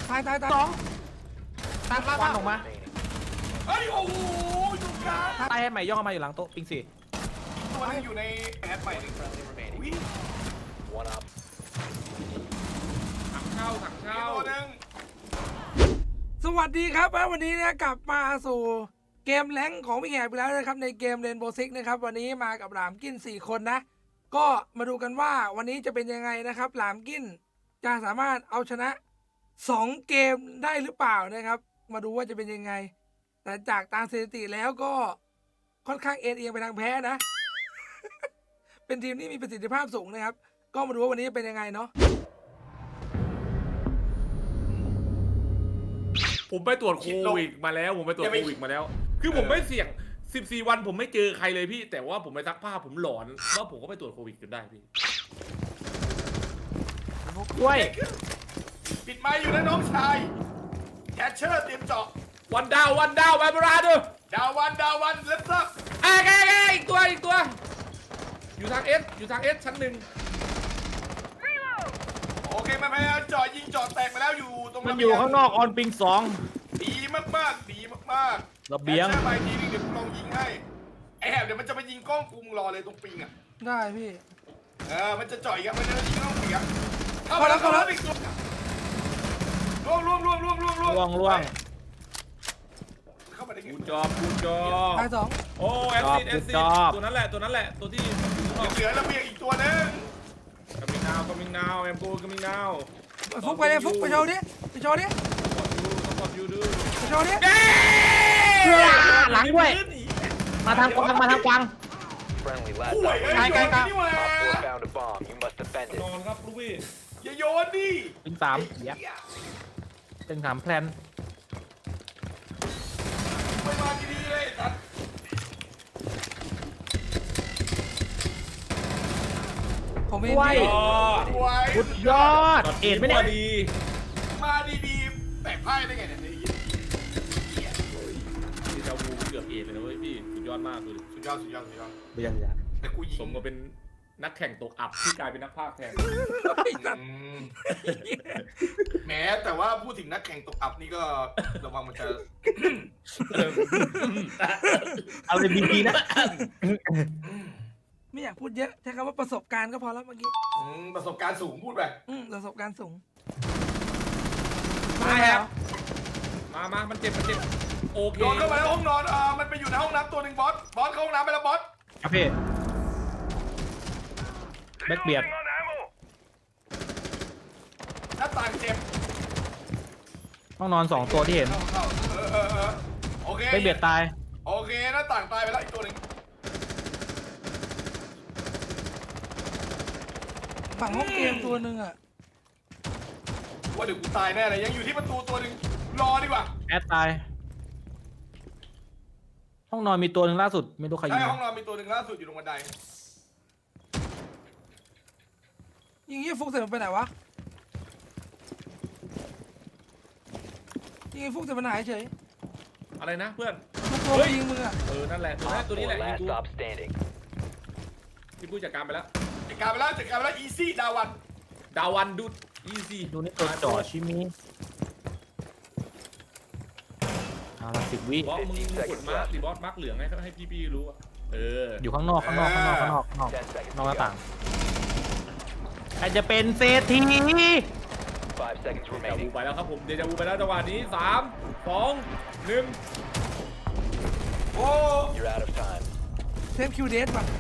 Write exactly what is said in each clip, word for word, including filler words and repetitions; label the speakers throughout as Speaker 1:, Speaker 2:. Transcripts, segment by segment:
Speaker 1: ตายตายตายสองตายควันออกมา
Speaker 2: เฮ้ยโอ้โหจุกกลาง
Speaker 1: ตายให้ใหม่ย่อมาอยู่หลังโต๊ะปิงสี่
Speaker 2: ตัวนึงอยู่ในแอดใหม่วิ่ง
Speaker 3: ถังเข้าถังเข้า
Speaker 2: ตัวนึง
Speaker 1: สวัสดีครับวันนี้นะกลับมาสู่เกมแรงของพี่แหกไปแล้วนะครับในเกมเรนโบว์ซิกนะครับวันนี้มากับหลามกินสี่คนนะก็มาดูกันว่าวันนี้จะเป็นยังไงนะครับหลามกินจะสามารถเอาชนะสองเกมได้หรือเปล่านะครับมาดูว่าจะเป็นยังไงแต่จากตามสถิติแล้วก็ค่อนข้างเอ็นเอียงไปทางแพ้นะ เป็นทีมที่มีประสิทธิภาพสูงนะครับก็มาดูว่าวันนี้จะเป็นยังไงเนาะ
Speaker 3: ผมไปตรวจโควิดมาแล้วผมไปตรวจโควิดมาแล้วคือผมไม่เสี่ยงสิบสี่วันผมไม่เจอใครเลยพี่แต่ว่าผมไปซักผ้าผมหลอนว่าผมก็ไปตรวจโควิดจนได้พี่
Speaker 1: ด้วย
Speaker 2: ปิดไม้อยู่นะน้องชายแคชเชอร์เตรียมเจาะ
Speaker 3: วันดาววันดาวมาบราดู
Speaker 2: ดาวันดาวันเล็บซับ
Speaker 3: เอ้ยเอ้ยเอ้ยอีกตัวอีกตัวอยู่ทางเอสอยู่ทางเอสชั้นหนึ่ง
Speaker 2: โอเคมันพยายามเจาะยิงเจาะแตกไปแล้วอยู่ตรง
Speaker 4: มันอยู่ข้างนอกออนปิงสอง
Speaker 2: ดีมากมากดีมากๆ
Speaker 4: ระเบียง
Speaker 2: แคชเชอร์ไปทีนึงเดี๋ยวกูลองยิงให้ไอแหบเดี๋ยวมันจะไปยิงกล้องกูมึงรอเลยตรงปิงอ่ะ
Speaker 1: ได้พี่
Speaker 2: เออมันจะเจาะอีกอ่ะมันจะยิงกล้องปิงอ่ะเข้า
Speaker 1: เข้าแล้
Speaker 2: มาว แล้ว
Speaker 1: เข้า
Speaker 2: เข้า
Speaker 1: แล้
Speaker 2: แล้ว วล่วงล่วงล่วงล่วงล่วงล่วง
Speaker 4: ล่วงล่วง
Speaker 2: เข้ามาได้ไง
Speaker 3: กูจอบกูจอบ
Speaker 1: ตายสอง
Speaker 3: โอ้แอสซิดแอสซิดตัวนั้นแหละตัวนั้นแหละตัวที่
Speaker 2: เหลือระเบียงอีกตัวนึง
Speaker 3: กำมิงนาวกำมิงนาวแอมโกกำมิงนาว
Speaker 1: ฟุกไปเลยฟุกไปโชว์ดิไปโชว์ดิ
Speaker 3: สปอร์ตยูดู
Speaker 1: ไปโชว์ดิ
Speaker 4: หลังด้วย มาทางกวางมาทางกวาง
Speaker 2: ห่วยเอ้ยโยนนี่หว่าน
Speaker 3: อนครับลูกพี่
Speaker 2: อย่าโยนดิ
Speaker 4: ปิงสามเหี้ยเป็นสามแพลน
Speaker 2: ไม่มาดีๆเลยสัตว์
Speaker 1: ผมเอง
Speaker 4: ไว้
Speaker 1: พี่
Speaker 3: ยอด
Speaker 2: ห่วย
Speaker 4: สุดยอด เอ็ดไหมเนี่ย
Speaker 3: ดี
Speaker 2: มาดีๆแตกไพ่ได้ไงเนี่ยไอ้เหี้ย
Speaker 3: ที่จะวูเกือบเอ็ดเลยนะเว้ยพี่สุดยอดมากเลย
Speaker 2: สุดยอดสุดยอดสุดยอด
Speaker 4: ไม่ยังยัง
Speaker 2: แต่กูยิ
Speaker 3: ส
Speaker 2: ง
Speaker 3: มกับเป็นนักแข่งตกอับที่กลายเป็นนักพากย์แทน
Speaker 2: อืมแหมแต่ว่าพูดถึงนักแข่งตกอับนี่ก็ระวังมันจะ
Speaker 4: เอาเลยดีๆนะ
Speaker 1: ไม่อยากพูดเยอะใช้คำว่าประสบการณ์ก็พอแล้วเมื่อกี้
Speaker 2: อืมประสบการณ์สูงพูดไป
Speaker 1: อืมประสบการณ์สูง
Speaker 3: มาครับมามามันเจ็บมันเจ็บโอเค
Speaker 2: โดนเข้ามาในห้องนอนอ่ามันไปอยู่ในห้องน้ำตัวหนึ่งบอสบอสเข้าห้องน้ำไปแล้วบอส
Speaker 4: ครับพี่แบ็คเบียด
Speaker 2: หน้าต่างเจ็บ
Speaker 4: ต้องนอนสองตัวที่เห็น
Speaker 2: เข้าเข้าเออเออเออโอเค
Speaker 4: แบ็คเบียดตาย
Speaker 2: โอเคหน้าต่างตายไปแล้วอีกตัวหนึ่ง
Speaker 1: ฝั่งห้องเกมตัวหนึ่งอ่ะ
Speaker 2: ว่าเดี๋ยวกูตายแน่เลยยังอยู่ที่ประตูตัวหนึ่งรอดีกว่า
Speaker 4: แอดตาย ห้องนอนมีตัวหนึ่งล่าสุด ไม่รู้ใครยิ
Speaker 2: ใช่
Speaker 4: ง
Speaker 2: ห้องนอนมีตัวหนึ่งล่าสุดอยู่ตรงบันได
Speaker 1: ยิงยี่ฟุกเสร็จมันไปไหนวะยิงฟุกเสร็จมันหายเฉย
Speaker 3: อะไรนะเพื่อน
Speaker 1: ฟุกตัวไปยิงมึงอ่ะ
Speaker 3: เออนั่นแหละตัวนี้ตัวนี้แหละยิงกูพี่ผู้จัดการไปแล้ว
Speaker 2: จัดการไปแล้วจัดการไปแล้วอีซี่ดาวัน
Speaker 3: ดาวันดูดอีซี
Speaker 4: ดูนี่ตัวจ่อชิมิเอาละสิบวิ
Speaker 3: บอสมึงกดมาร์คดิบอสมาร์คเหลืองให้ให้พี่พี่รู้อะเออ
Speaker 4: อยู่ข้างนอกข้างนอกข้างนอกข้างนอกข้างนอกนอกหน้าต่างใครจะเป็นเศรษฐี
Speaker 3: เดจาวูไปแล้วครับผมเดจาวูไปแล้วจังหวะนี้สามสองหนึ่ง
Speaker 2: โอ้
Speaker 1: เซฟคิวเดสป่ะ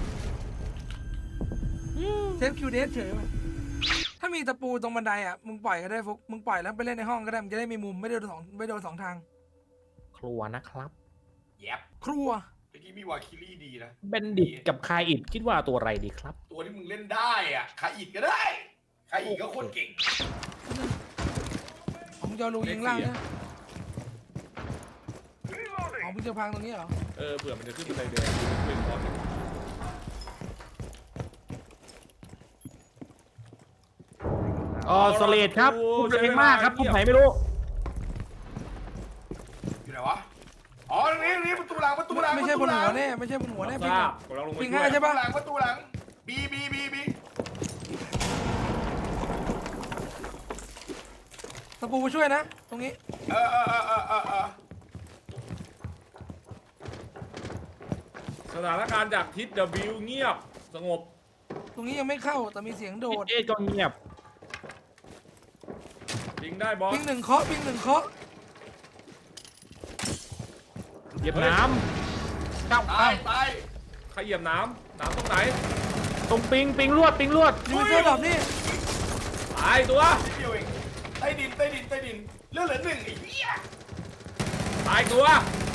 Speaker 1: เซฟคิวเดสเฉยป่ะถ้ามีตะปูตรงบันไดอ่ะมึงปล่อยก็ได้ฟุกมึงปล่อยแล้วไปเล่นในห้องก็ได้มันจะได้มีมุมไม่โดนสองไม่โดนสองทาง
Speaker 4: ครัวนะครับ
Speaker 2: แย็บ
Speaker 1: ครัว
Speaker 2: เมื่อกี้มีวาคิลี่ดีนะ
Speaker 4: เบนดิตกับคายอิดคิดว่าตัวอะไรดีครับ
Speaker 2: ตัวที่มึงเล่นได้อ่ะขาอิดก็ได้ขาอิดก็โคตรเก่ง
Speaker 1: ของจอรูยิงล่างนะของมึงจะพังตรงนี้เหรอ
Speaker 3: เออเผื่อมันจะขึ้นบันไดแดงเป็นบอส
Speaker 4: อ๋อสเลดครับพูดแรงมากครับพูดไหนไม่รู้
Speaker 2: อยู่ไหนวะอ๋อตรงนี้ตรงนี้ประตูหลังประตูหลัง
Speaker 1: ไม่ใช่บนหัวแน่ไม่ใช่บนหัวแน่
Speaker 3: ท
Speaker 1: ปิง
Speaker 3: รา
Speaker 1: อะ
Speaker 3: บกำลังลงมา
Speaker 1: ปิง
Speaker 3: ช่ว
Speaker 1: ห้าย ใช่
Speaker 2: ประตู
Speaker 1: ปะ
Speaker 2: หลังประตูหลังบีบีบีบี
Speaker 1: ตะปูมาช่วยนะ ตรงนี้
Speaker 2: เออเออเออเออเออเออ
Speaker 3: สถานการณ์จากทิศ W เงียบสงบ
Speaker 1: ตรงนี้ยังไม่เข้าแต่มีเสียงโดด
Speaker 4: เอก็เงียบ
Speaker 3: ยิงได้บอส
Speaker 1: ปิงหนึ่งเคาะปิงหนึ่งเคาะ
Speaker 4: เหยียบน้ำเก้า
Speaker 2: ตายตาย
Speaker 3: ใครเหยียบน้ำน้ำตรงไหน
Speaker 4: ตรงปิงปิงลวดปิงลวด
Speaker 1: ยูเซอร์ดรอปนี่
Speaker 3: ตายตัว
Speaker 2: นิดเดียวเองใต้ดินใต้ดินใต้ดินเลือดเหลือหนึ่งไอ้เหี้ย
Speaker 3: ตายตัว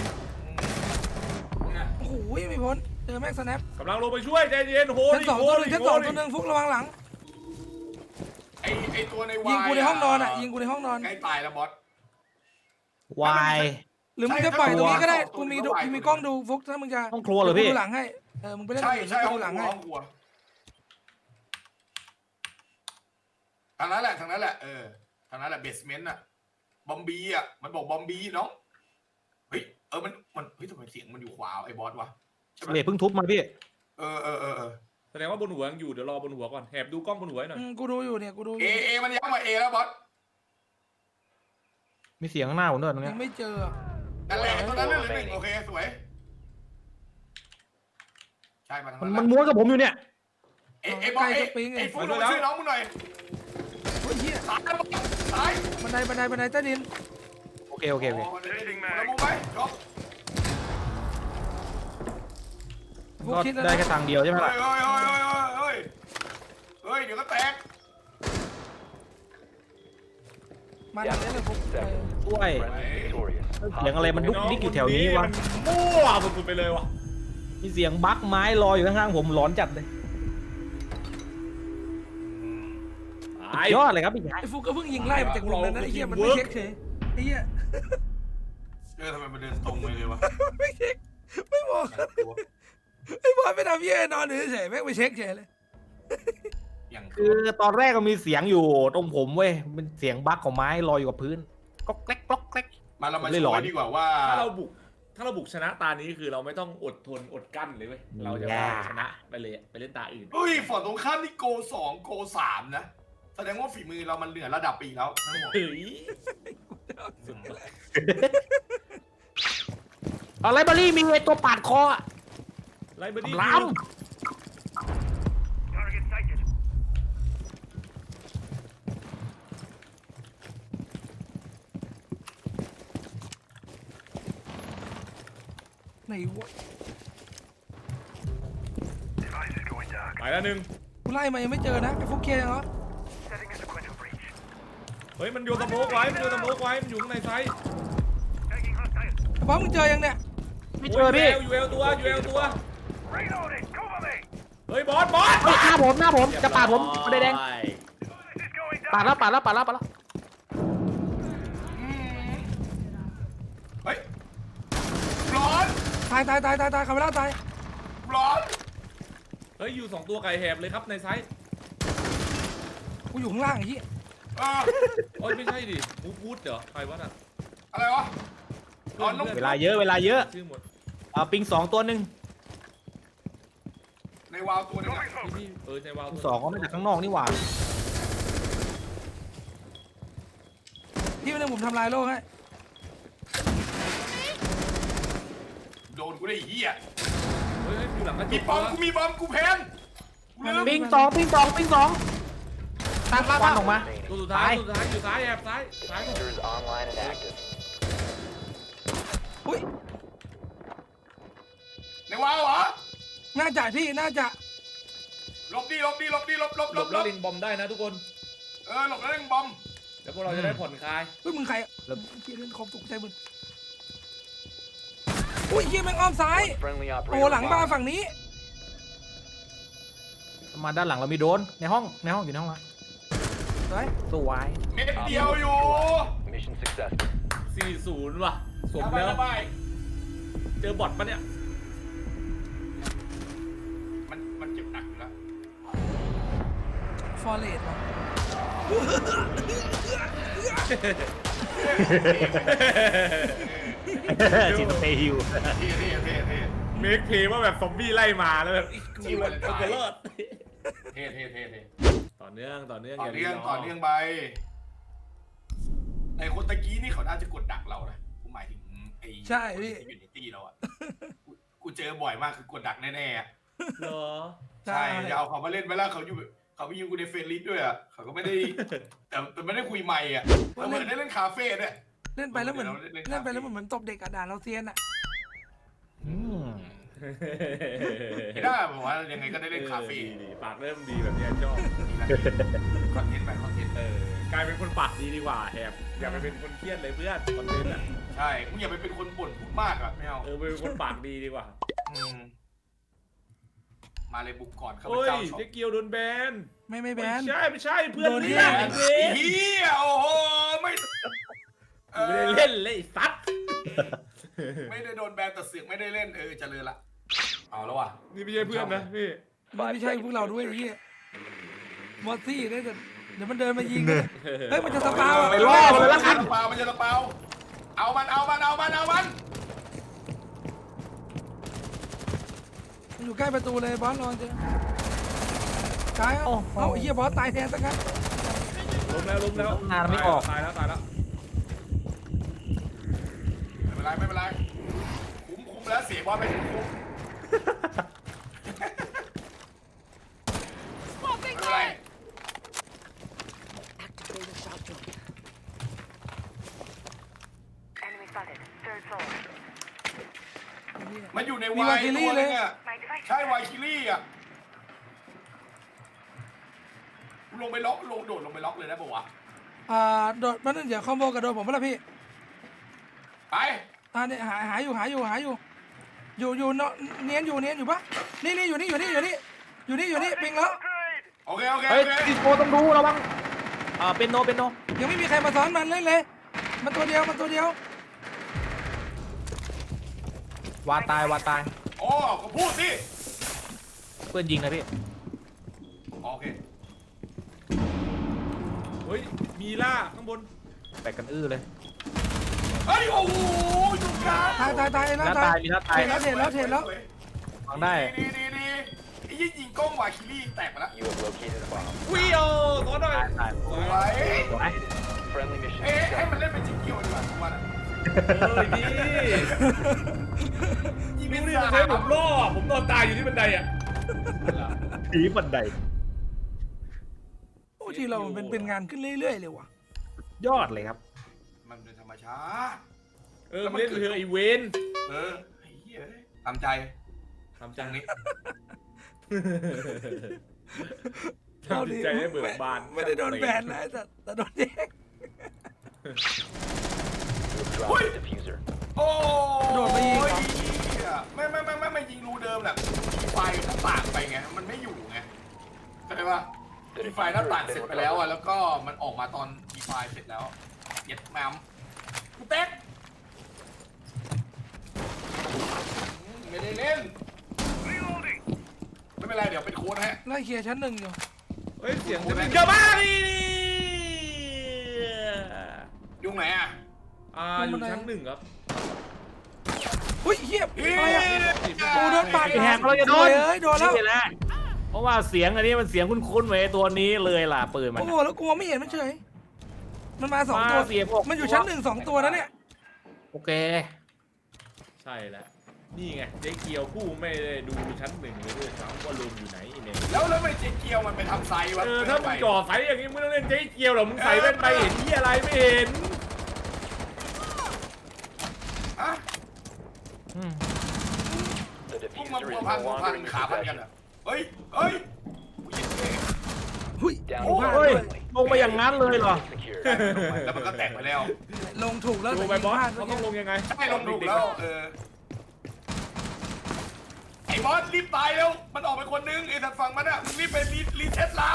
Speaker 1: โอ้โหไม่พ้นเจอแม็กสแนป
Speaker 3: กำลังลงไปช่วยใจเย็นโห
Speaker 1: ชั้น
Speaker 3: ดิ
Speaker 1: สอง
Speaker 3: โห
Speaker 1: ตัวห
Speaker 3: ดิ
Speaker 1: นึ่งชั้น
Speaker 3: โห
Speaker 1: สอง
Speaker 3: ดิ
Speaker 1: ตัวหนึ่งฟุกระวังหลัง
Speaker 2: ไอ้ไอ้ตัวในวาย
Speaker 1: ยิงกูในห้องนอนอ่ะยิงกูในห้องนอน
Speaker 2: ใกล้ตายแล้วบอส
Speaker 4: วาย
Speaker 1: หรือมึงจะปล่อยตรงนี้ก็ได้
Speaker 2: ใช่
Speaker 1: กูมี
Speaker 2: ใช่
Speaker 1: ดูกูมีกล้องดูฟุกถ้ามึงจะ
Speaker 4: ห้องครัวเหรอพี่
Speaker 1: กูดูหลังให้เออมึงไปเล่น
Speaker 2: ใช่
Speaker 1: อื่น
Speaker 2: ใช่
Speaker 1: แล้ว
Speaker 2: ห้
Speaker 1: กู
Speaker 2: อง
Speaker 1: ดูหลัง
Speaker 2: ครัว
Speaker 1: ให้
Speaker 2: ห้องครัวทางนั้นแหละทางนั้นแหละเออทางนั้นแหละเบสเมนต์อะบอมบีอะมันบอกบอมบีเนาะเฮ้ยเออมันมันเฮ้ยทำไมเสียงมันอยู่ขวาไอ้บอสวะใช่ไหม
Speaker 4: เละเพิ่งทุบมาพี่
Speaker 2: เออเออเออเออ
Speaker 3: แสดงว่าบนหัวยังอยู่เดี๋ยวรอบนหัวก่อนแหบดูกล้องบนหัวให้หน่อย
Speaker 1: อืมกูดูอยู่เนี่ยกูดูอ
Speaker 2: เอยู่ เอมันย้ำมาเอแล้วบอส
Speaker 4: มีเสียงข้างหน้าผมด้วยตรง
Speaker 1: ยั
Speaker 4: เนี้ย
Speaker 1: งไม่เจอ
Speaker 2: นั่นแหละตอนนั้นเรื่องหนึ่งโอเคสวยใช่มาทาง
Speaker 4: มัน
Speaker 2: นั้น
Speaker 4: มันม้วนกับผมอยู่เนี่ย
Speaker 2: เอเอบอสเอไอ้ฟุ๊กลงมาช่วยน้องมึงหน่อย
Speaker 1: โอ้ยเหี้ย
Speaker 2: ตายแล้วบอสตาย
Speaker 1: บันไดบันไดบันไดใต้ดิน
Speaker 4: โอเคโอเคโอเค
Speaker 2: แล้วมุมไปจบ
Speaker 1: ฟุก
Speaker 4: ก็
Speaker 1: คิดแล้ว
Speaker 4: ได้
Speaker 1: นะ
Speaker 4: แค่ตังค์เดียวใช่ไหม
Speaker 2: เฮ้
Speaker 4: ล่ะ
Speaker 2: ยเฮ้ยเฮ้ยเฮ้ยเฮ้ยเฮ้ยเดี๋ยวก็แตก
Speaker 1: มาทางนี้เลยฟุกเออ
Speaker 4: ช่วยเสียงอะไรมันดุกดิกอยู่แถวนี้วะ
Speaker 3: มันมั่วสุดๆไปเลยวะ
Speaker 4: มีเสียงบั๊กไม้ลอยอยู่ข้างๆผมหลอนจัดเลย
Speaker 3: ตาย
Speaker 4: ยอดเลยครับพี่ชาย
Speaker 1: ไอ้ฟุกก็เพิ่งยิงไล่มาจากมุมนั้นนะไอ้เหี้ยมันไม่เช็คเฉยไอ้เหี้ย
Speaker 2: เออทำไมมันเดินตรงไปเลยวะ
Speaker 1: ไม่เช็คไม่บอกไอ้บอลไม่ทำเหี้ยนอนเฉยๆแม่งไปเช็คเฉยเลย
Speaker 2: อย่าง
Speaker 4: คือตอนแรกก็มีเสียงอยู่ตรงผมเว้ยเป็นเสียงบั๊กของไม้ลอยอยู่กับพื้นก๊อกแก๊กก๊อกแก๊ก
Speaker 2: มาเรามา
Speaker 4: เลย
Speaker 2: ช่
Speaker 4: หลอ
Speaker 2: วน ยดีกว่าว่า
Speaker 3: ถ้าเราบุก ถ้าเราบุกชนะตานี้คือเราไม่ต้องอดทนอดกั้นเลยเว้ยเราจะว่าชนะไปเลยไปเล่นตาอื่น
Speaker 2: เฮ้ยฝั่งตรงข้ามนี่โกสองโกสามนะแสดงว่าฝีมือเรามันเหนือระดับปีแล้วทั้งหมด
Speaker 3: เฮ้ย
Speaker 4: เอาไลบรารีมีไอตัวปาดคออะ
Speaker 3: ไลบรารี
Speaker 4: ล้
Speaker 1: ไหนวะ
Speaker 3: ไปแล้วหนึ่ง
Speaker 1: กูไล่มายังไม่เจอนะไอ้ฟุกเคลียร์ยังเหรอ
Speaker 3: เฮ้ยมันโยนสโมกไว้มันโยนสโมกไว้มันอยู่ข้างในไซส์
Speaker 1: ไอ้บอลมึงเจอยังเนี่ย
Speaker 4: ำไม่เจอพี่
Speaker 3: ยูเอลตัวยูเอลตัวเฮ้ยบอสบอส
Speaker 4: เฮ้ยหน้าผมหน้าผมจะปาดผมประเด็นแดงปาดแล้วปาดแล้วปาดแล้วปาดแล้ว
Speaker 2: เฮ้ยร้อน
Speaker 1: ตายตายตายตายตายคาเมล่าตาย
Speaker 2: ร้อน
Speaker 3: เฮ้ยอยู่สองตัวไก่แหบเลยครับในไซส์
Speaker 1: กูอยู่ข้างล่างไอ้เหี้ย
Speaker 2: เออ
Speaker 3: โอ้ยไม่ใช่ดิมูฟูดเหรอใครวะน่ะ
Speaker 2: อะไรวะร้อนลง
Speaker 4: เวลาเยอะเวลาเยอะ
Speaker 3: ชื่อหมด
Speaker 4: เอาปิงสองตัวหนึ่ง
Speaker 2: ในวาวตัวหนึงอะ
Speaker 3: พี่พี่เออในวาว
Speaker 4: ปิงสองก็มาจากข้างนอกนี่หว่า
Speaker 1: พี่ไม่ได้ผมทำลายโลกให้
Speaker 2: โดนกูได้ไอ้เหี้ย
Speaker 3: เฮ้ยเฮ้ยอยู่หลังกระจ
Speaker 2: มี
Speaker 3: ก
Speaker 2: บอม
Speaker 3: วะ
Speaker 2: กูมีบอมกูแพนกูลืม
Speaker 4: ปิงสองปิงสองปิงสองตั้งควันออกมา
Speaker 3: ตัวสุดท้าย
Speaker 4: ตาย
Speaker 3: ตัวสุดท้ายอยู่ซ้ายแอบซ้ายซ้ายผม
Speaker 5: Diffuser is online and active.
Speaker 1: อุ้ย
Speaker 2: ในวาวเหรอ
Speaker 1: น่าจะพี่น่าจะ
Speaker 2: หลบดิหลบดิหลบดิหลบหลบ
Speaker 3: ห
Speaker 2: ห
Speaker 3: ล
Speaker 2: ล
Speaker 3: บบ แล้
Speaker 2: หล
Speaker 3: ว
Speaker 2: บ
Speaker 3: ลิงบอมได้นะทุกคน
Speaker 2: เออหลบแล้วเร่งบอม
Speaker 3: แล้วพวกเราจะได้ผ่อนคลาย
Speaker 1: เฮ้ยมึงใครแล้วเฮียเล่นคอมตกใจมึงอุ้ยเฮียแม่งอ้อมซ้าย
Speaker 5: Friendly
Speaker 1: โอ้
Speaker 5: operator.
Speaker 1: หลังบ้าน
Speaker 5: live.
Speaker 1: ฝั่งนี้
Speaker 4: มาด้านหลังเรามีโดรนในห้องในห้องอยู่ในห้องละ
Speaker 1: สวย
Speaker 4: สวย
Speaker 2: เม็ดเดียวอยู่
Speaker 5: Mission successful.
Speaker 3: สี่ศูนย์ว่ะสม
Speaker 2: ระบาย
Speaker 3: แล้ว
Speaker 2: ระบาย
Speaker 3: เจอบอทปะเนี่ย
Speaker 2: มันมันเจ็บหนักอยู่แล้ว
Speaker 1: ฟอร์เรสต์ว่ะ
Speaker 4: จินเตฮิว
Speaker 2: เท่เท่เท่เท่
Speaker 3: เมคเพย์ว่าแบบซอมบี้ไล่มาแล้วแบบอีกกู
Speaker 2: ชีวิต
Speaker 3: มันจะรอด
Speaker 2: เท่เท่เท่เท่
Speaker 3: ต่อเนื่องต่อเนื่อง
Speaker 2: ต่อ
Speaker 3: อย่า
Speaker 2: เนื่อง
Speaker 3: รีร
Speaker 2: ต่อเนื่องไปไอ้คนตะกี้นี่เขาน่าจะกดดักเรานะผมหมายถึงไอ้
Speaker 1: ใช่พี่
Speaker 2: คนที่อยู่ในตี้เราอะกูกูเจอบ่อยมากคือกดดักแน่ๆอะ
Speaker 3: เหรอ
Speaker 1: ใช่
Speaker 2: ใช่จะเอาเขามาเล่นไปแล้วเขาอยู่เขาไปยิงกูในเฟรนลิสด้วยอะเขาก็ไม่ได้ แต่แต่ไม่ได้คุยใหม่อะเราเหมือนได้เล่นคาเฟ่เนี่ย
Speaker 1: เล่นไปแล้วเหมือน
Speaker 2: เล่น
Speaker 1: เล่นไปแล้วเหมือนตบเด็กอะด่าเราเซียนอะ
Speaker 4: อืม
Speaker 2: ไม่ได้ผมว่ายังไงก็ได้เล่นคาเฟ่
Speaker 3: ออดีๆปากเริ่มดีแบบเนี้ยชอบ
Speaker 2: คอนเทนต์ไปคอนเทนต์
Speaker 3: เออกลายเป็นคนปากดีดีกว่าแอบอย่าไปเป็นคนเครียดเลยเพื่อนคอนเทนต์อ่ะ
Speaker 2: ใช่มึงอย่าไปเป็นคนบ่นพูดมากอะไม่เอา
Speaker 3: เออไปเป็นคนปากดีดีกว่า
Speaker 2: มมาเลยบุกก่อนข้าพ
Speaker 3: เฮ้ย
Speaker 2: เจ้าชอบ
Speaker 3: เจ๊เกียวโดนแบน
Speaker 1: ไม่ไม่แบ
Speaker 3: ไม่
Speaker 1: น
Speaker 3: ใช่ไม่ใช่เพื่อน
Speaker 1: โดน
Speaker 3: เรี
Speaker 1: แบ
Speaker 3: ยก
Speaker 1: น
Speaker 3: ไอ้เว
Speaker 2: ไอ้
Speaker 3: ร
Speaker 2: เฮียโอ้โหไม่
Speaker 3: กูไม่ได้เล่นเลยไอ้สัตว์
Speaker 2: ไม่ได้โดนแบนแต่เสือกไม่ได้เล่นเออเจริญละเอาแล้วว่ะ
Speaker 3: นี่ไม่ใช่เพื่อนนะพี่
Speaker 1: ไม่ใช่พวกเราด้วยไอ้เหี้ยมอสซี่เนี่ยแต่เดี๋ยวมันเดินมายิงเลยเฮ้ยมันจะสปาวอะ
Speaker 2: ไปล่อมันเลยละกันเปล่ามันจะเปล่าเอามันเอามันเอามันเอามัน
Speaker 1: มันอยู่ใกล้ประตูเลยบอสรอเจอตายเอาเอาไอ้เหี้ยบอสตายแทนสักงั้น
Speaker 3: ล้มแล้วล้มแล้ว
Speaker 4: งานไม่ออก
Speaker 3: ตายแล้วตายแล้ว
Speaker 2: ไม่เป็นไรไม่เป็นไรคุ้มคุ้มแล้วเสียบอลไปถึงคุ้มไม่เป็นไร
Speaker 6: Activating shock drone. Enemy spotted. Third floor.
Speaker 2: มันอยู่ใน
Speaker 1: มี
Speaker 2: วา
Speaker 1: วาย
Speaker 2: ย
Speaker 1: คิ
Speaker 2: ตั
Speaker 1: ลี่
Speaker 2: ว
Speaker 1: เล
Speaker 2: นึ
Speaker 1: ย
Speaker 2: งอ่ะ
Speaker 6: My device.
Speaker 2: ใช่วายคิลี่อ่ะลงไปล็อกลงโดดลงไปล็อกเลยนะบอกว่า
Speaker 1: อ่าโดดมันนั่นเดี๋ยวคอมโบกับโดดผมเปล่าพี่
Speaker 2: ไป
Speaker 1: อ่าเนี่ยหาหาอยู่หาอยู่หาอยู่ อยู่อยู่เนาะเนียนอยู่เนียนอยู่ปะนี่นี่อยู่นี่อยู่นี่อยู่นี่อยู่นี่อยู่นี่ปิงแล้ว
Speaker 2: โอเคโอเค
Speaker 4: เฮ้ย
Speaker 2: โอเค
Speaker 4: ดิสโกต้องดูระวังอ่าเป็นโนเป็นโน
Speaker 1: ยังไม่มีใครมาซ้อนมันเล่นเลย มันตัวเดียวมันตัวเดียว
Speaker 4: วาตายวาตาย
Speaker 2: โอ้ก็พูดสิ
Speaker 4: เพื่อนยิงนะพี่
Speaker 2: โอเค
Speaker 3: เฮ้ยมีล่าข้างบน
Speaker 4: แตกกันอื้อเลย
Speaker 2: เฮ้ยโอ้โหอยู่กลาง
Speaker 1: ตายตายตาย
Speaker 4: ห
Speaker 1: แล้ว
Speaker 4: น้า
Speaker 1: ตา
Speaker 4: ตาย ยมีหน้าตาย
Speaker 1: เห็นแล้วเห็นแล้วเห็นแล้ว
Speaker 4: วางได้
Speaker 2: ดีดีดีไอ้ยี่ยิงกล้องวาคิลี่แตกไปแล้ว
Speaker 5: You have located a bomb.
Speaker 3: วิโอขอหน่อย
Speaker 4: ตายตาย
Speaker 2: สวย
Speaker 4: สวย
Speaker 5: Friendly mission
Speaker 2: เอ๊ะให้มัน
Speaker 5: success.
Speaker 2: เล่นเป็นจิ๊กเกียวดีกว่าทุกวันอะ
Speaker 3: เออดี
Speaker 2: ยิง
Speaker 3: ดู
Speaker 2: เป็น
Speaker 3: ดิ
Speaker 2: สา
Speaker 3: มัน
Speaker 2: ม
Speaker 3: ใช้ผมล่อผมนอนตายอยู่ที่บันไดอ่ะ
Speaker 4: ผีบันได
Speaker 1: โอ้ที่เรามันเป็นเป็นงานขึ้นเรื่อยๆเลยว่ะ
Speaker 4: ยอดเลยครับ
Speaker 2: มันเป็นธรรมชาติ
Speaker 3: เออมาเล่นเธอไอเวน
Speaker 2: เออไอ้เหี้ยตามใจ
Speaker 3: ทำ
Speaker 2: จั
Speaker 3: จั
Speaker 2: ง
Speaker 3: ง
Speaker 2: นี้
Speaker 3: ทำจิตใจได้เบิกบาน
Speaker 1: ไม่ได้โดนแบนนะแต่แต่โดนแยก
Speaker 5: You have dropped the diffuser.
Speaker 2: โอ้
Speaker 1: โดดไปยิงเหรอ
Speaker 2: เหี้ยไม่ไม่ไม่ไม่ไม่ยิงรูเดิมแหละไฟหน้าต่างไปไงมันไม่อยู่ไงเข้าใจปะมีไฟหน้าต่างเสร็จไปแล้วอะแล้วก็มันออกมาตอนมีไฟเสร็จแล้วเย็ดแมมกูเต๊กอืมไม่ได้เล่นไม่เป็นไรเดี๋ยวเป็นโค้ดให้
Speaker 1: ไล่เคลียร์ชั้นหนึ่งอยู่
Speaker 3: เฮ้ยเสียงจะเป็นเยอะมากดิ
Speaker 2: ยุ่งไหนอ่ะ
Speaker 3: อ่าอยู่ชั้นหนึ่งครับ
Speaker 1: อุ้ยเหี้ย
Speaker 2: เฮ้ย
Speaker 1: อะไรอะ โอ้โดนปาด
Speaker 4: ไอ้แหกเราจะโดน
Speaker 1: เอ้ยโดนแล้ว
Speaker 4: นี่แหละเพราะว่าเสียงอันนี้มันเสียงคุ้นๆไว้ตัวนี้เลยล่ะปืนมัน
Speaker 1: โอ้โหแล้วกลัวไม่เห็นมันเฉย มันมาสอง
Speaker 4: มา
Speaker 1: ตัว
Speaker 4: เสียพวก
Speaker 1: มันอยู่ชั้นหนึ่งสองตัวนะเนี่ย
Speaker 4: โอเค
Speaker 3: ใช่แล้วนี่ไงเจ๊เกียวผู้ไม่ได้ดูชั้นหนึ่งเลยด้วยซ้ำว่าลุงอยู่ไหนเนี่ย
Speaker 2: แล้วแล้วทำไมเจเกียวมันไปทำไซวะ
Speaker 3: เออถ้ามึงจ่อไฟอย่างนี้มึงต้องเล่นเจ๊เกียวหรอมึงใส่แว่นไปเห็นที่อะไรไม่เห็น
Speaker 2: อะ
Speaker 4: อืม
Speaker 5: The
Speaker 2: พวกมา
Speaker 5: diffuser
Speaker 2: พัว
Speaker 5: is
Speaker 2: พัน
Speaker 5: no
Speaker 2: พัวพัน
Speaker 5: longer in
Speaker 2: ขา
Speaker 5: your
Speaker 2: พันกัน
Speaker 5: possession.
Speaker 2: อ่ะเฮ้ยเฮ้ยกูยิงเลย
Speaker 1: หุ้ย
Speaker 5: Down
Speaker 2: โอ้
Speaker 5: to
Speaker 4: เฮ้ย
Speaker 5: friendly.
Speaker 4: ลงไปอย่างนั้นเลยเหรอ
Speaker 5: Secure.
Speaker 2: แล้วมันก็แตกไปแล้ว
Speaker 1: ลงถูกแล้ว
Speaker 3: ดู
Speaker 1: แต่
Speaker 3: ไป
Speaker 1: ยิง
Speaker 3: บอ
Speaker 1: พ
Speaker 3: ส
Speaker 1: ลาด
Speaker 3: เขา
Speaker 1: เมื่อ
Speaker 3: ต้อ
Speaker 1: กี้
Speaker 3: งลงยังไง
Speaker 2: ใช่ลงถูกแล้วเออไอ้บอสรีบตายแล้วมันออกไปคนนึงไอ้ทางฝั่งมันอ่ะมึงรีบไปรีรีเซ็ตเรา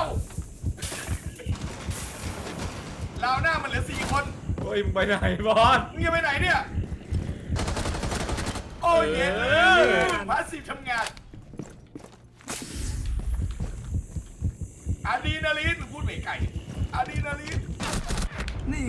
Speaker 2: เราหน้ามันเหลือสี่คน
Speaker 3: เฮ้ยมึงไปไหนบอส
Speaker 2: มึงจะไปไหนเนี่ย โอ้ยเย็นเล
Speaker 3: เออ
Speaker 2: ยพาสซีฟทำงานอะดรีนาลีนพูดไม่ไก่อะดรีนาลีน
Speaker 1: นี่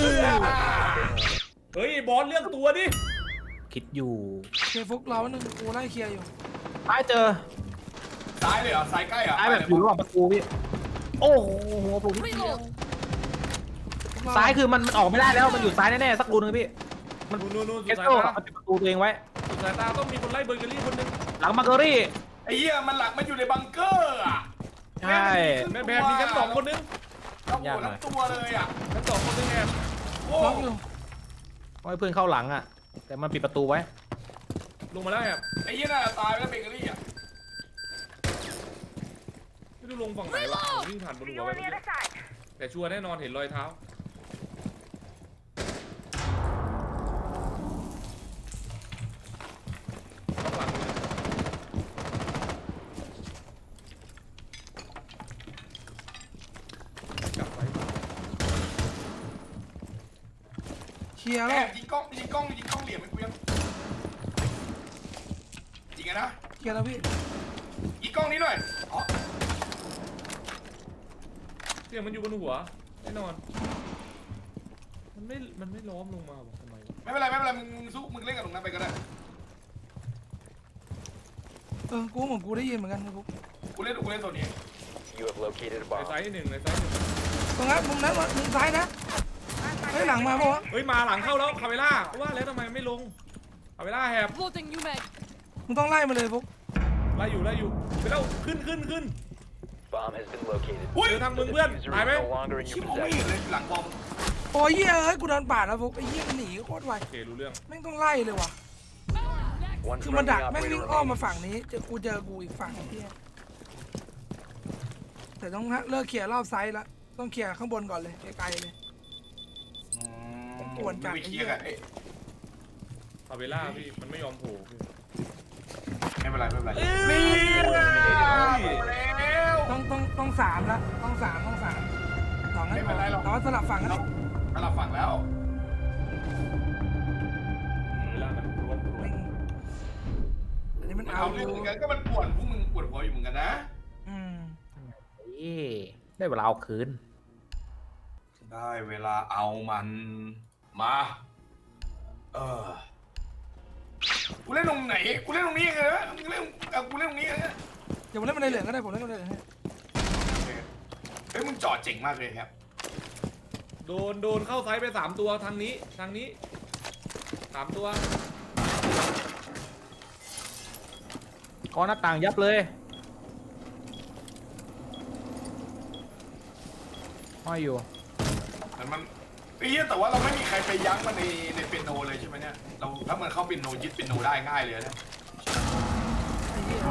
Speaker 3: เฮ้ยบอสเลือกตัวดิ
Speaker 4: คิดอยู่
Speaker 1: เคลียร์ฟุกเราหนึ่งกูไล่เคลียร์อยู่
Speaker 4: ท้ายเจอ
Speaker 2: ซ้ายเลยเหรอซ้ายใกล้เหรอ
Speaker 4: ท้ายแบบอยู่ระหว่างประตูพี่ โอ้โหหัวผมนิดเดียวซ้ายคือมันมันออกไม่ได้แล้วมันอยู่ซ้ายแน่ๆสักรูนึงพี่มัน
Speaker 3: นู่นนู่นนู่น
Speaker 4: เอ
Speaker 3: สุด
Speaker 4: ส
Speaker 3: สาย
Speaker 4: โต้
Speaker 3: ตา
Speaker 4: มันปิดประตูตัวเองไว้
Speaker 3: สุดสายตาต้องมีคนไล่เบอร์เกอรี่คนหนึง
Speaker 4: หลังมาร์เกอรี่
Speaker 2: ไอ้เหี้ยมันหลักมันอยู่ในบังเกอร์อ่ะ
Speaker 4: ใช่
Speaker 3: แม่แพรมีชั้นสองคนนึง
Speaker 2: ทั้งหัวทั้งตัวเลยอ่ะ
Speaker 3: ชั้นสองคนนึงแอบ
Speaker 2: โอ้
Speaker 1: ล็อกอยู่
Speaker 4: เอาให้เพื่อนเข้าหลังอ่ะแต่มันปิดประตูไว้
Speaker 3: ลงมาแล้วแอบ
Speaker 2: ไอ้เหี้ยน่าจะตายไปแล้วเบเกอรี่อ่ะ
Speaker 3: ไม่รู้ลงฝั่งไหนวะผมวิ่งผ่านบนหัว
Speaker 6: You
Speaker 3: ไป
Speaker 6: on the
Speaker 3: เมื่อ
Speaker 6: other
Speaker 3: กี้
Speaker 6: side.
Speaker 3: แต่ชัวร์แน่นอนเห็นรอยเท้าต้องหลังเลยกลับไป
Speaker 1: เคลียร์
Speaker 2: แอ
Speaker 1: แล้ว
Speaker 2: บยิงกล้องยิงกล้องยิงกล้องเหลี่ยมให้กูยังยิงไงนะ
Speaker 1: เคลียร์แล้วพี่
Speaker 2: ยิงกล้องนี้หน่อยอ๋อ
Speaker 3: เสียงมันอยู่บนหัวแน่นอน มันไม่ มันไม่ล้อมลงมาบอกทำไมวะ
Speaker 2: ไม่เป็นไรไม่เป็นไรมึงมึงสู้มึงเล่นกับตรงนั้นไปก็ได้
Speaker 1: เออกูเหมือนกูได้ยินเหมือนกันนะพวก
Speaker 2: กูเล่นกูเล่นตัวนี้
Speaker 5: You have located a
Speaker 3: ใน
Speaker 5: bomb.
Speaker 3: ซ้ายหนึ่งในซ้ายหนึ่ง
Speaker 1: ตรงนั้นมุมนั้นมุมซ้ายนะเฮ้ยหลังมาปะวะ
Speaker 3: เฮ้ยมาหลังเข้าแล้วคาเวล่าว่าแล้วทำไมไม่ลงคาเวล่าแหบ
Speaker 6: Loading new mag.
Speaker 1: มึงต้องไล่มาเลยพวก
Speaker 3: ไล่อยู่ไล่อยู่ไปแล้วขึ้นขึ้นขึ้น
Speaker 5: Bomb has been located.
Speaker 2: อุ้ย
Speaker 3: เจอทาง
Speaker 5: The
Speaker 3: มึงเพื่อน
Speaker 5: diffuser
Speaker 3: ตาย
Speaker 5: is
Speaker 3: ไหม
Speaker 5: no longer in
Speaker 2: ชิบ
Speaker 5: your
Speaker 2: มองไม่เห็น
Speaker 5: possession.
Speaker 2: เลยหลังบอม
Speaker 1: โอ้ยเหี้ยเอ้ยกูโดนปาดแล้วพวกไอ้เหี้ยมันหนีโคตรไว
Speaker 3: โอเครู้เรื่อง
Speaker 1: แม่งต้องไล่เลยว่ะ
Speaker 5: One
Speaker 1: คือมัน
Speaker 5: friendly
Speaker 1: ดักแม่ง
Speaker 5: operator
Speaker 1: วิ่งอ้อมมา
Speaker 5: remaining.
Speaker 1: ฝั่งนี้เจอกูเจอกูอีกฝั่งเหี้ยแต่ต้องเลิกเคลียร์รอบไซส์ละต้องเคลียร์ข้างบนก่อนเลยไกลๆเลย ปวดจัด
Speaker 2: ไม่เคลียร์กันเอ้ย
Speaker 3: คาเวล่าพี่มันไม่ยอมโผล่พี่
Speaker 2: ไม่เป็นไรไม่เป็นไร
Speaker 3: เอ้ย
Speaker 2: แล้ว
Speaker 1: ต้องต้องต้องสามละต้องสามต้องสามสองให้
Speaker 2: ไม่
Speaker 1: พ
Speaker 2: เป็
Speaker 1: อน
Speaker 2: ไรหรอก
Speaker 1: แต่ว่าสลับฝั่งกัน
Speaker 2: เราสลับฝั่งแล้ว
Speaker 3: เวลามันรวมรว
Speaker 1: แม่
Speaker 3: ม
Speaker 1: งอันนี้มัน
Speaker 2: มัน
Speaker 1: เอา
Speaker 2: เอา
Speaker 1: อ
Speaker 2: เรื่อง
Speaker 1: ยู่
Speaker 2: เหมือนกันก็มันปวดพวกมึงปวดหัวอยู่เหมือนกันนะ
Speaker 1: อืม
Speaker 4: เอ้ได้เวลาเอาคืน
Speaker 2: ได้เวลาเอามันมาเออกูเล่นตรงไหนกูเล่นตรงนี้ไงนะมึงเล่นเอากูเล่นตรงนี้ไงนะ
Speaker 1: เดี๋ยวผมเล่นมันในเหลืองก็ได้ผมเล่นมันในเหลืองให้
Speaker 2: โอเคเฮ้ยมึงจอดเจ๋งมากเลยครับ
Speaker 3: โดนโดนเข้าไซส์ไปสามตัวทางนี้ทางนี้สามตัว
Speaker 4: ก้อนหน้าต่างยับเลยห้อยอยู่
Speaker 2: แต่มันไอ้เหี้ยแต่ว่าเราไม่มีใครไปยั้งมันในในเปียโนเลยใช่ไหมเนี่ยเราถ้ามันเข้าเปียโนยึดเปียโนได้ง่ายเลยนะ
Speaker 1: ไอ้เหี้ย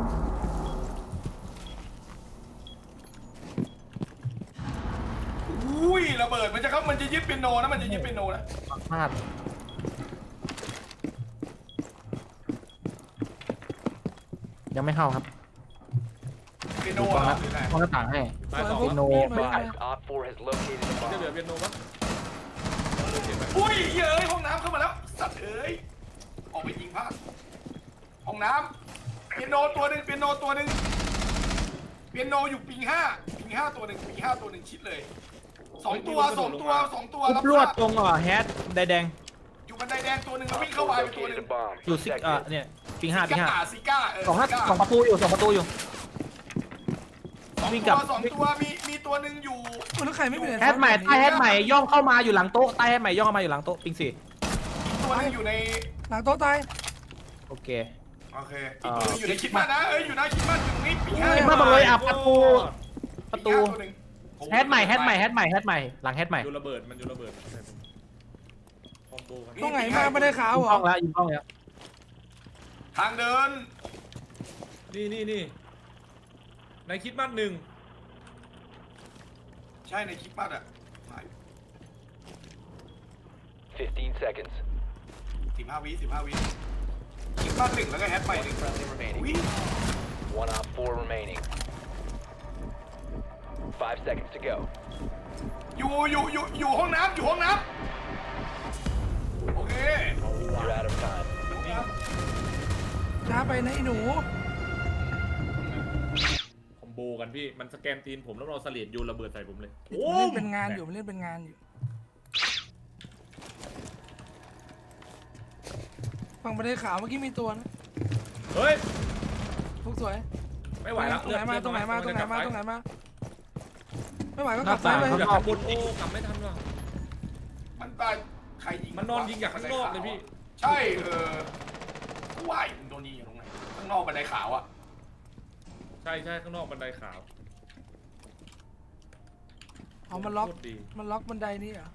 Speaker 2: อุ้ยระเบิดมันจะเข้ามันจะยึดเปียโนนะมันจะยึดเปียโนนะ
Speaker 4: พลาดยังไม่เข้าครับ
Speaker 2: เปียโน
Speaker 4: ดู
Speaker 2: เหร
Speaker 4: ก้อนห
Speaker 2: อ
Speaker 4: น้า
Speaker 2: หรือไง
Speaker 4: ก้อนหน้าต่างให้
Speaker 3: ตายสอง
Speaker 4: เปียโน
Speaker 1: ไม่
Speaker 4: ไม่
Speaker 1: ได้
Speaker 5: Op four has located a
Speaker 3: จะเหลือ
Speaker 5: bomb.
Speaker 3: เปียโนปะ
Speaker 2: อุ้ยเย้ยห้องน้ำเข้ามาแล้วสัตว์เอ้ยออกไปยิงพลาดห้องน้ำเปียโนตัวหนึ่งเปียโนตัวหนึ่งเปียโนอยู่ปิงห้าปิงห้าตัวหนึ่งปิงห้าตัวหนึ่งชิดเลยสองตัวสองตัวสองตัว
Speaker 4: ทุ
Speaker 2: รั
Speaker 4: บบ ลวด
Speaker 2: ทราบ
Speaker 4: ตรงอ่ะแฮชแดง
Speaker 2: อยู่บันไดแดงตัวหนึ่งแล้ว
Speaker 5: Op
Speaker 2: วิ่งเข้า
Speaker 5: four
Speaker 2: ไปเป็นตัวห
Speaker 5: located
Speaker 2: นึ่
Speaker 5: a
Speaker 2: ง
Speaker 5: bomb.
Speaker 4: ๆอยู่ซิกอ่ะ
Speaker 5: Protect it.
Speaker 4: เนี่ยปิงห้าปิงห้า
Speaker 2: ซิก้ซิก้าเออ
Speaker 4: สองหน้า
Speaker 2: ซิก้า
Speaker 4: สองประตูอยู่สองประตูอยู่
Speaker 2: สอง
Speaker 4: วิ่ง
Speaker 2: ตั
Speaker 4: กลั
Speaker 2: ว
Speaker 4: บ
Speaker 2: สองตัวมีมีตัวหนึ่งอยู่
Speaker 1: เออแล้วใครไม่เป็น
Speaker 4: แฮชใหม่ใต้แฮชใหม่ย่องเข้ามาอยู่หลังโต๊ะใต้แฮชใหม่ย่องเข้ามาอยู่หลังโต๊ะปิงสี่
Speaker 2: ตัวหนึงอยู่ใน
Speaker 1: หลังโต๊ะตาย
Speaker 4: โอเค
Speaker 2: โอเคอีกตัวหนึงอยู่ในคิดมากนะเอ้ยอยู่นะคิดมากอยู่ตรงนี้ปิงห้า
Speaker 4: คิดมาก บอกเลยอ่ะประตู ประตู
Speaker 2: ปิงห้าตัวหนึ่ง
Speaker 4: แฮชใหม่แฮชใหม่แฮชใหม่แฮชใหม่หลังแฮชใหม่
Speaker 3: โยนระเบิดมันโยนระเบิดคอมโบกัน
Speaker 1: ตรงไหนมาไม่ได้ขาว
Speaker 4: ยิง
Speaker 1: เหร
Speaker 4: กล้
Speaker 1: อ
Speaker 4: องแล้วยิงกล้องแล้ว
Speaker 2: ทางเดิน
Speaker 3: นี่นี่นี่ในคิดมัดหนึ่ง
Speaker 2: ใช่ในคิดมากอ่ะ
Speaker 5: fifteen seconds.
Speaker 2: สิบห้าวิสิบห้าวิคิดมากหนึ่งแล้วก็แฮชใหม่ห
Speaker 5: One
Speaker 2: นึ่ง
Speaker 5: friendly
Speaker 2: อุ้ย
Speaker 5: remaining. One op four remaining. Five seconds to go.
Speaker 2: อยู่อยู่อยู่อยู่ห้องน้ำอยู่ห้องน้ำโอเค
Speaker 5: You're out of time.
Speaker 2: ห้องน้ำ
Speaker 1: ช้าไปนะไอ้หนู
Speaker 3: คอมโบกันพี่มันสแกนตีนผมแล้วเราเสลียดโยนระเบิดใส่ผมเลย
Speaker 1: มันเล่นเป็นงานอยู่มันเล่นเป็นงานอยู่ฝั่งประเด็นขาวเมื่อกี้มีตัวนะ
Speaker 3: เฮ้ย
Speaker 1: ทุกสวย
Speaker 3: ไม่ไหวแล้ว
Speaker 1: ตรงไหนมาตรงไหนมาตรงไหนมาตรงไหนมาไม่ไหวก็
Speaker 4: ห
Speaker 1: กลั
Speaker 4: น้า
Speaker 1: บซ้า
Speaker 4: ต่าย ง
Speaker 1: ไป
Speaker 4: ข้าง
Speaker 3: อยาก
Speaker 4: นอก
Speaker 3: บนโอ้กลับไม่ทันว่ะ
Speaker 2: ว่าใครยิง
Speaker 3: มันนอนยิงจากข้างนอกเลยพี่
Speaker 2: ใช่เออกูว่ามึงโดนยิงอยู่ตรงไหนข้างนอกบันไดขาวอ่ะ
Speaker 3: ใช่ใช่ข้างนอกบันไดขาว
Speaker 1: เอามันล็อก
Speaker 3: โคตรดี
Speaker 1: มันล็อกบันไดนี่เหรอ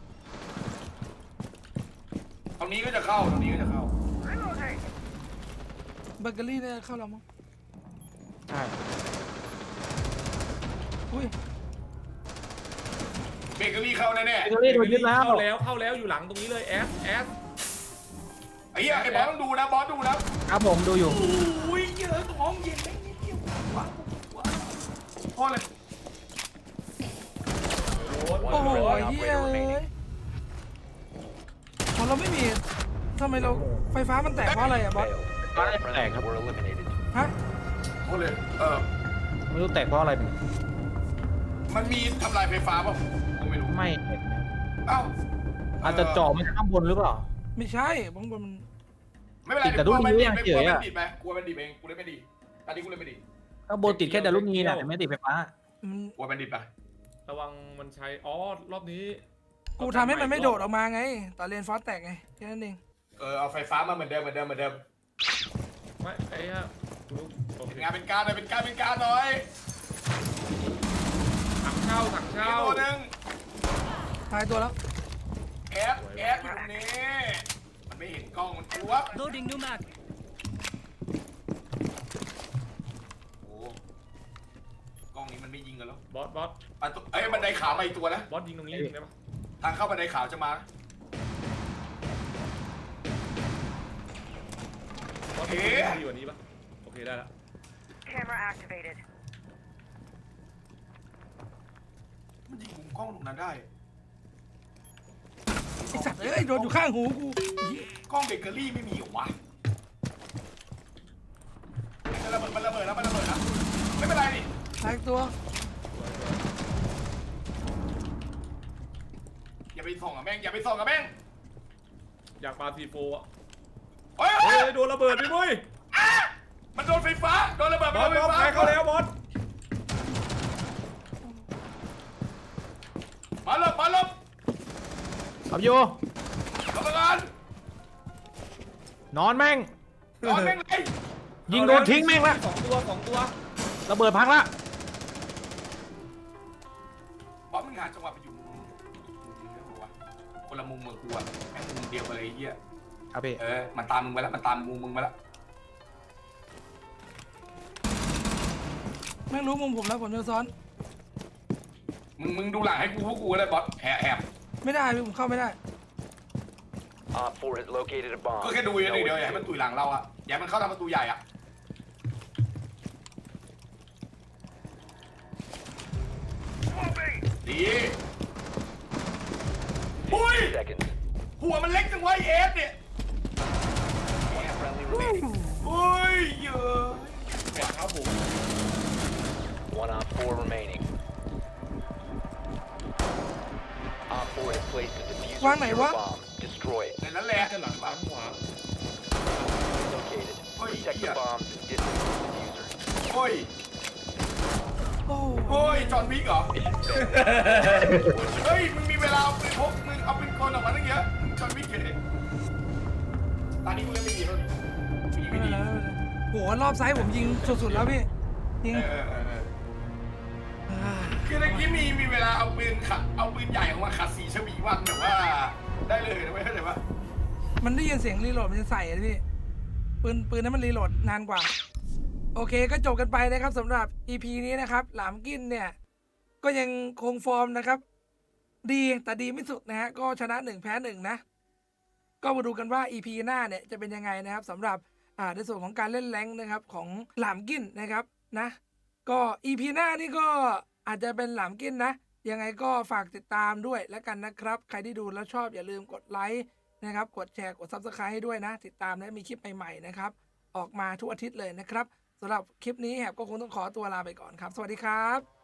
Speaker 2: ตรงนี้ก็จะเข้าตรงนี้ก็จะเข้า
Speaker 1: เบเกอรี่เนี่ยเข้าแล้วมั้ง
Speaker 4: ใช่
Speaker 1: อุ้ย
Speaker 2: เบเกอรี่เข้าแน่
Speaker 4: เบเกอรี่โดนยึดแล้ว
Speaker 3: เข้าแล้วเข้าแล้วอยู่หลังตรงนี้เลยแอสแอส
Speaker 2: ๆไอ้เหี้ยไอ้บอสต้องดูนะบอสดูนะครับ
Speaker 4: ผมดูอยู่
Speaker 2: โอ้ยเยอะตรงห้องเย็นไม่นิดเดียวว้าวว้าวพ่อเลย
Speaker 1: โอ้โห
Speaker 5: One
Speaker 1: เฮีย
Speaker 5: operator
Speaker 1: เอ้
Speaker 5: remaining.
Speaker 1: ยของเราไม่มีทำไมเราไฟฟ้ามันแตกเพราะอะไรอะบอส
Speaker 5: Failed. All friendlies were eliminated.
Speaker 1: ฮะ
Speaker 2: พ่อเลยเออ
Speaker 4: ไม่รู้แตกเพราะอะไร
Speaker 2: มันมีทำลายไฟฟ้าป่ะผมไม่รู้
Speaker 4: ไม่เห็นนะ
Speaker 2: เอ้า
Speaker 4: อาจจะเจาะมาจากข้างบนหรือเปล่า
Speaker 1: ไม่ใช่บางคนมัน
Speaker 2: ไม่เป็นไร
Speaker 4: ติดแต่
Speaker 2: เดี๋ยวกลัว
Speaker 4: รุ่
Speaker 2: มัน
Speaker 4: นนี้
Speaker 2: ดิดไป
Speaker 4: เฉ
Speaker 2: กลัวย
Speaker 4: ๆ
Speaker 2: มัน
Speaker 4: อะ
Speaker 2: ดิดไปกลัวมันดิดเองกูเล่นไม่ดีตอนนี้กูเล่นไม่ดี
Speaker 4: ข้างบนติดแค่แต่ลูกนี้นะแต่ไม่ติดไฟฟ้า
Speaker 1: มัน
Speaker 2: กลัวมันดิดไป
Speaker 3: ระวังมันใช้อ๋อรอบนี้
Speaker 1: กูทำให้มันไม่โดดออกมาไงตอนเรียนฟอสแตกไงแค่นั้นเอง
Speaker 2: เออเอาไฟฟ้ามาเหมือนเดิมเหมือนเดิมเหมือนเดิม
Speaker 3: ไม่ไอ้ฮะโอเค
Speaker 2: เป็นงานเป็นการหน่อยเป็นการเป็นการหน่อย
Speaker 3: ถังเช่าถัง
Speaker 2: มี
Speaker 3: เช่า
Speaker 2: ตัวหนึ่ง
Speaker 1: ตายตัวแล้ว
Speaker 2: แอดแอดอยู่ตรงนี้มันไม่เห็นกล้องมันกลัว
Speaker 6: Loading new mag.
Speaker 2: โอ้กล้องนี้มันไม่ยิงกันแล้ว
Speaker 3: บอสบอส
Speaker 2: อ่ะตัวเอ้ยบันไดขาวมาอีกตัวนะ
Speaker 3: บอสยิงตรงนี้ยิงได้ปะ
Speaker 2: ทางเข้าบันไดขาวจะมา
Speaker 3: บอสยิงตรงนี้ดีกว่านี้ปะโอเคได้ละ
Speaker 6: Camera activated.
Speaker 2: มันยิงมุมกล้องตรงนั้นได้
Speaker 1: ไอสัตว์เอ้ยโดนอยู่ข้างหูกู
Speaker 2: กล้องเบเกอรี่ไม่มีเหรอวะมันระเบิดมันระเบิดแล้วมันระเบิดแล้วไม่เป็นไรนี่
Speaker 1: ตายตัว
Speaker 2: อย่าไปส่องกับแม่งอย่าไปส่องกับแม่ง
Speaker 3: อยากปาซีโฟอ่ะ
Speaker 2: เฮ้ย
Speaker 3: เฮ้
Speaker 2: เฮ้ย
Speaker 3: ยโดนระเบิดพี่มุ้ย
Speaker 2: อ่ะมันโดนไฟฟ้าโดนระเบิด
Speaker 3: บอส
Speaker 2: โดน
Speaker 3: บอส
Speaker 2: ไฟฟ้า
Speaker 3: ใครเข้าแล้วบอส
Speaker 2: มาหลบมาหลบ
Speaker 4: ขับอยู่
Speaker 2: หลบไปก่อน
Speaker 4: นอนแม่ง
Speaker 2: นอนแม่งเลย
Speaker 4: ยิงโดนทิ้งแม่งละ
Speaker 3: สองตัวสองตัว
Speaker 4: ระเบิดพังละ
Speaker 2: บอสมึงหาจังหวะไปอยู่มุมวะคนละมุมเมืองกูอะแม่งมุมเดียวกันเลยไอ้เหี้ย
Speaker 4: ครับพี่
Speaker 2: เออมันตามมึงไปแล้วมันตามมุมมึงมาแล้ว
Speaker 1: แม่งรู้มุมผมแล้วผมจะซ้อน
Speaker 2: มึงมึงดูหลังให้กูพวกกูก็ได้บอสแอบแอบ
Speaker 1: ไม่ได้พี่ผมเข้าไม่ได้
Speaker 5: Op four has located a bomb.
Speaker 2: ก็แค่ดูอย่าง
Speaker 5: No
Speaker 2: เดียวอย่าให้มัน
Speaker 5: escape.
Speaker 2: ตุยหลังเราอะอย่าให้มันเข้าทางประตูใหญ่อะดีอุ้ย
Speaker 5: fifteen seconds.
Speaker 2: หัวมันเล็กจังวะไอ้เอฟเนี่ย
Speaker 5: One friendly remaining.
Speaker 2: อุ้ยเยอะ
Speaker 3: แอบเท้าผม
Speaker 5: One op four remaining. Op four has placed a diffuser
Speaker 1: Wang này
Speaker 5: near a
Speaker 1: quá.
Speaker 5: bomb. Destroy it.
Speaker 2: ในนั้นแหละ
Speaker 3: จะหลังหลังขวา
Speaker 5: Located.
Speaker 2: Ôi,
Speaker 5: Protect the
Speaker 2: dạ.
Speaker 5: bombs and disable the diffuser.
Speaker 2: โอ้ย
Speaker 1: โอ้
Speaker 2: โอ้ยจอห์นวิกเหรอ
Speaker 5: Mission failed.
Speaker 2: เฮ้ยมึงมีเวลาเอาปืนพกมึงเอาปืนกลออกมาตั้งเยอะมึงจอห์นวิกเลยตอนนี้กูเล่นไม่ดีแล้วนี่
Speaker 1: ไม่
Speaker 2: ไม่
Speaker 1: เป็น
Speaker 2: ดี
Speaker 1: ไรไม่เป็นไรโหรอบซ้ายผมยิงสุดๆแล้วพี่ยิง
Speaker 2: เออเออเออ
Speaker 1: อ่า
Speaker 2: คือเมื่อกี้มีมีเวลาเอาปืนขัดเอาปืนใหญ่ออกมาขัดสีฉวีวันแบบว่าได้เลยนะเว้ยเข้าใจปะ
Speaker 1: มันได้ยินเสียงรีโหลดมันจะใส่อะพี่ปืนปืนนั้นมันรีโหลดนานกว่า โอเคก็จบกันไปนะครับสำหรับ อี พี นี้นะครับ หลามกินเนี่ย ก็ยังคงฟอร์มนะครับ ดีแต่ดีไม่สุดนะฮะก็ชนะหนึ่งแพ้หนึ่งนะ ก็มาดูกันว่า อี พี หน้าเนี่ยจะเป็นยังไงนะครับสำหรับอ่าในส่วนของการเล่นแรงค์นะครับของหลามกินนะครับนะ ก็ อี พี หน้านี่ก็อาจจะเป็นหลามกินนะ ยังไงก็ฝากติดตามด้วยแล้วกันนะครับ ใครที่ดูแล้วชอบอย่าลืมกดไลค์นะครับกดแชร์กด ซับสไครบ์ ให้ด้วยนะ ติดตามและมีคลิปใหม่ๆนะครับออกมาทุกอาทิตย์เลยนะครับสำหรับคลิปนี้แหบก็คงต้องขอตัวลาไปก่อนครับ สวัสดีครับ